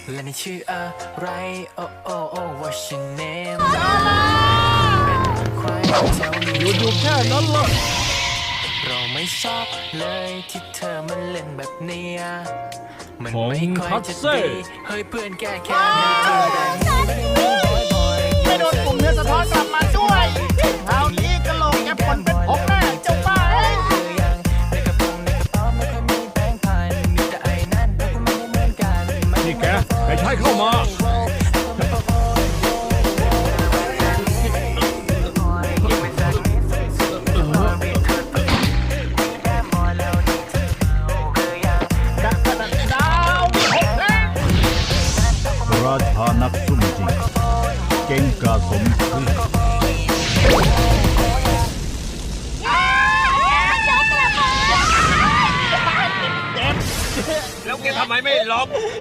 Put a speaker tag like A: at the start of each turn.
A: และในชื่ออะไรโอ้โอ้โอ้ what's your name เป็นใครเจ้านี้
B: อยู่แค่นั้นล่ะ
A: เราไม่ชอบเลยที่เธอมันเล่นแบบเนี้ยมัน
B: ของ
A: ไม่ค่อย
B: คัต
A: จะ
B: เซ่
A: ดีเฮ้ยเพื่อนแก้แค้นให้เธอได้
C: ไม่โดนกลุ่มเนื้อสะท้อนกลับมาด้วยคราวนี้กระโหลกแกผลเป็นผมแน่เจ้าบ้าเอ้ย
A: คือยังในกระเป๋าไม่ค่อยมีแบงค์พันมีแต่ไอ้นั่นเราก็ไม่ได้เหมือนกัน
B: นี่แกใช้เข้ามาราชานักซุ่มจริงเก่งกาสมชื่อ
D: แล้วแกทำไมไม่หลบ